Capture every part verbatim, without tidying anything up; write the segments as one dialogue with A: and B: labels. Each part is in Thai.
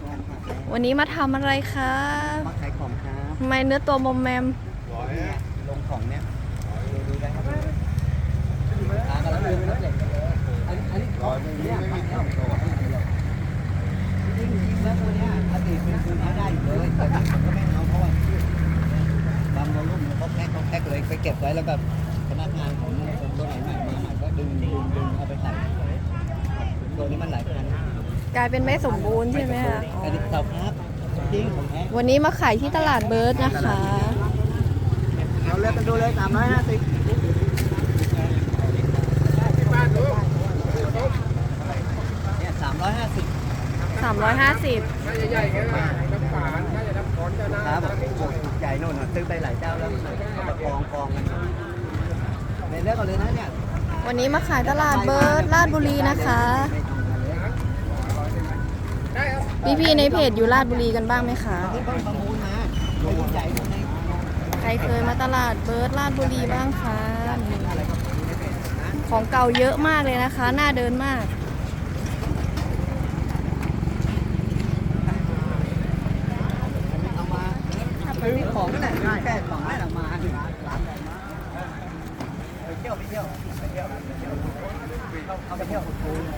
A: วันนี้มาทำอะไรคะ
B: มาขายของครับ
A: ทำไมเนื้อตัวมอมแมม
B: ลงของเนี่ยดูได้ครับขากำลังเดินรถเหล็กอันนี้อันนี้ของเนี่ยขายแล้วจริงจริงแล้วตัวเนี้ยอดีตเป็นคุณเขาได้อยู่เลยแต่ผมก็ไม่เอาเพราะว่าบางวอลุ่มเขาแพ็คเขาแพ็คเลยไปเก็บไว้แล้วแบบพนักงานของตัวไหนใหม่มาใหม่ก็ดึงดึงดึงเอาไปใส่ตัวนี้มันหลายพัน
A: กลายเป็นไม่สมบูรณ์ใช่ไหมคะ
B: อันนี้เสาครับจริงของแท้
A: วันนี้มาขายที่ตลาดเบิร์ดนะคะ
B: เอาเลยกันดูเลยสามร้อยห้าสิบเนี่ยสามร้อยห้าสิบ
A: สามร้อยห้าสิบ
C: ใหญ่ๆกันนะน้ำฝานถ้าจะน้ำฝอนจะน่า
B: ครับใหญ่โน่นซื้อไปหลายเจ้าแล้วเอามากองกองกันในเรื่องกันเลยนะเนี่ย
A: วันนี้มาขายตลาดเบิร์ดลาดบุรีนะคะพี่พี่ในเพจอยู่ลาดบุรีกันบ้างไหมคะใครเคยมาตลาดเบิร์ดลาดบุรีบ้างคะของเก่าเยอะมากเลยนะคะน่าเดินมาก
B: ซื้อของนั่นแหละแค่ของนั่นแหละมาไปเที่ยวไปเที่ยวไปเที่ยวเอาไปเที่ยวคูล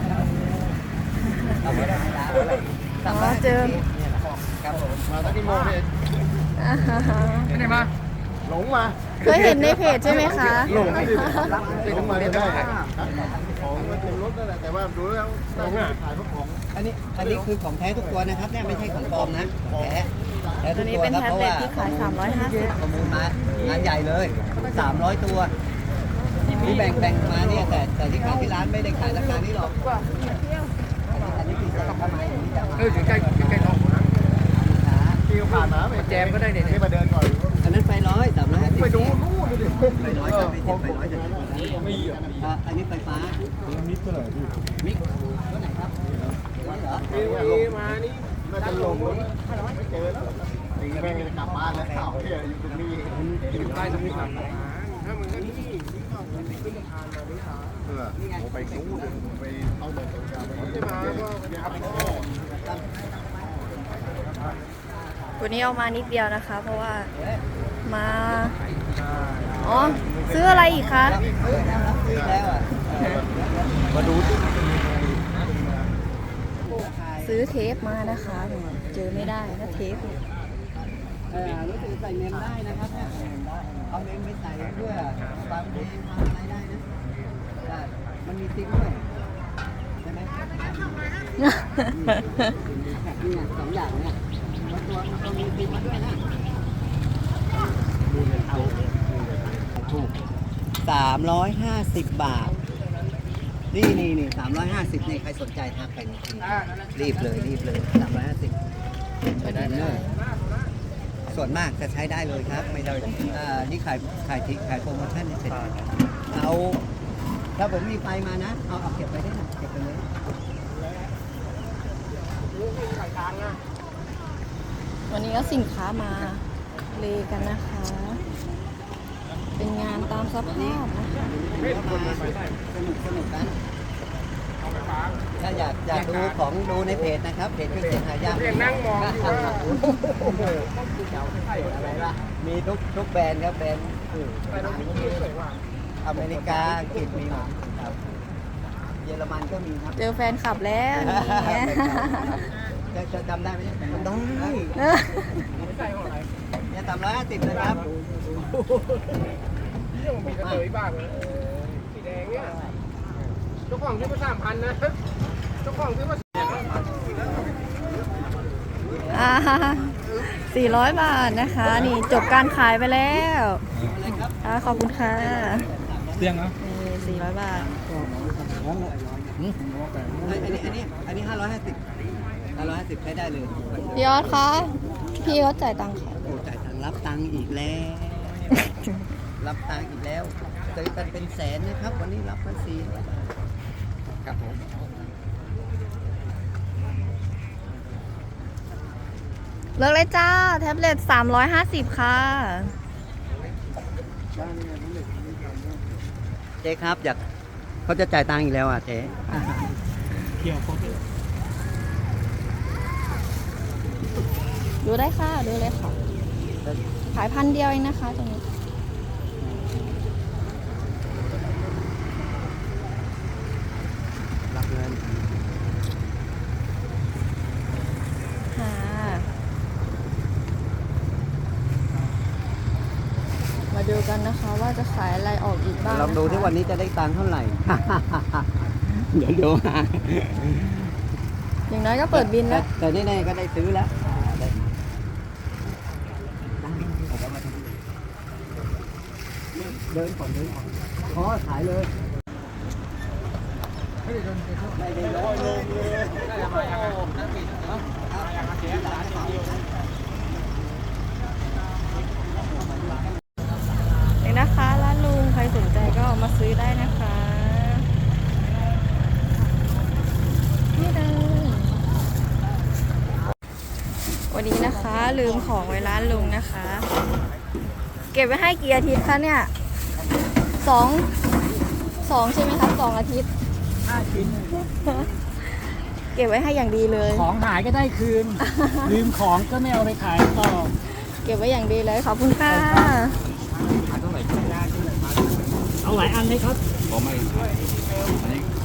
B: เราไม่ได้ร้านอะไร
A: อ๋อเจอ
B: ครับผมมาตั้งที่โมเพจไม่ได้มาหลงมา
A: เคยเห็นในเพจใช่ไหมคะ
C: หลงหลงมาได้ของมันเต็มรถนั่นแหละแต่ว่าดูแล้วหลงอ่ะขายพวกของ
B: อันนี้อันนี้คือของแท้ทุกตัวนะครับเนี่ยไม่ใช่ของปลอมนะของแท้
A: ตัวนี้เป็นแท็บเล็ตที่ขายสามร้อยห้าสิบ
B: ประมูลมางานใหญ่เลยสามร้อยตัวที่แบ่งแบ่งมาเนี่ยแต่แต่ที่ขายที่ร้านไม่ได้ขายราคานี้หรอกอันนี้คือทำไม
C: เอออยู่ใกล้ใกล้ท้องนะที่ผ่านมาไปแจมก็ได้เนี่ยมาเดินก่อน
B: อันนั้นไฟร้อยสามร้อยห้าสิบ
C: ไปดูนู่นดูดิ
B: ไฟร้อยจะไม่เจ็บไฟร้อยจะไม่เยอะอันนี้ไฟฟ้ามิกเท่าไหร่พี่มิกตัวไหนครับ
C: เหรอมานี่น่าจะลงไม่เจอตีแม่งจะกลับบ้านแล้วข่าวที่อยู่ตรงนี้อยู่ใต้ตรงนี้ครับถ้ามันก็นี่ขึ้นสะพานมาไม่ช้าเออไปนู้นไปเอาเดินตรงกลางไม่มาก็ครับ
A: วันนี้เอามานิดเดียวนะคะ เพราะว่ามาอ๋อซื้ออะไรอีกคะ
B: มาดู
A: ซื้อเทปมานะคะเจอไม่ได้นะเทป
B: เออรู้สึกใส่เมมได้นะครับเนี่ยเอาเมมไปใส่เพื่อฟังเพลงฟังอะไรได้นะได้มันมีติ๊กด้วยใช่ไหมนี่สองอย่างเนี่ยตัวตัวมีติ๊กมาด้วยนะเอาถูกสามร้อยห้าสิบบาทนี่นี่นี่สามร้อยห้าสิบนี่ใครสนใจทักไปนี่รีบเลยรีบเลยสามร้อยห้าสิบใช้ได้เลยส่วนมากจะใช้ได้เลยครับไม่ได้อ่านี่ขายขายขายโปรโมชั่นเสร็จเอาถ้าผมมีไฟมานะเอาเอาเก็บไปได้นะเก็บไปเลย
A: วันนี้ก็สินค้ามาเลกันนะคะ เป็นงานตามสภาพนะคะ
B: สนุกสนุกกันถ้าอยากอยากดูของดูในเพจนะครับเพจคือเสียงหายาก
C: นั่งมองอยู่ว่า
B: อะไรล่ะมีทุกทุกแบรนด์ครับแบรนด์อเมริกาอังกฤษมีหมดครับเยอรมันก็มีครับ
A: เจอแฟนคลับแล้วนี่
B: จะจะจำได้ไหมจำได้เนี่ยสามร้อยห้าสิบนะครับ
C: นี่มันมีกระเทยบ้างเลยสีแดงเนี่ยเจ้าของซื้อมาสามพันนะเจ้าของซื้อมา
A: อ่าสี่ร้อยบาทนะคะนี่จบการขายไปแล้วอ่าขอบคุณค่ะ
C: เตียงนะ
A: นี่สี่ร้อยบาท
B: อันนี้อันนี้อันนี้ห้าร้อยห้าสิบห้าร้อยห้าสิบใช้ได้เลย
A: พี่ยอดคะพี่เขาจ่ายตังค์ค่ะ
B: โอ้จ่ายตังค์รับตังค์อีกแล้วรับตังค์อีกแล้วซื้อกันเป็นแสนนะครับวันนี้รับมาสี่ครับผม
A: เลิกเลยจ้าแท็บเล็ตสามร้อยห้าสิบค่ะ
B: เจ๊ครับอยากเขาจะจ่ายตังค์อีกแล้วอ่ะเจ๊
C: เกี่ยวเขา
A: ดูได้ค่ะดูเลยค่ะ ขายพันเดียวเองนะคะตรงนี้
B: รับเงิน
A: ค่ะ มาดูกันนะคะว่าจะขายอะไรออกอีกบ้าง
B: ลองดูที่วันนี้จะได้ตังค์เท่าไหร่ เดี๋ยวดูมา
A: อย่างน้อยก็เปิดบินแล้ว
B: แต่แน่ๆก็ได้ซื้อแล้วได้เดินก่อนเดินก่อนขอขายเลยไม่ได้ร้อยลงเลย
A: เองนะคะร้านลุงใครสนใจก็มาซื้อได้นะคะนี่เลยวันนี้นะคะลืมของไว้ร้านลุงนะคะ เก็บไว้ให้กี่อาทิตย์คะเนี่ยสองสองใช่ไหมคะสองอาทิตย์
D: ห้าชิ้น
A: เก็บไว้ให้อย่างดีเลย
D: ของหายก็ได้คืน ลืมของก็ไม่เอาไปขายต่อ
A: เก็บไว้อย่างดีเลยขอบคุณค่ะ
D: เอาหลายอันไหมครับ
C: ผมไม่อันนี้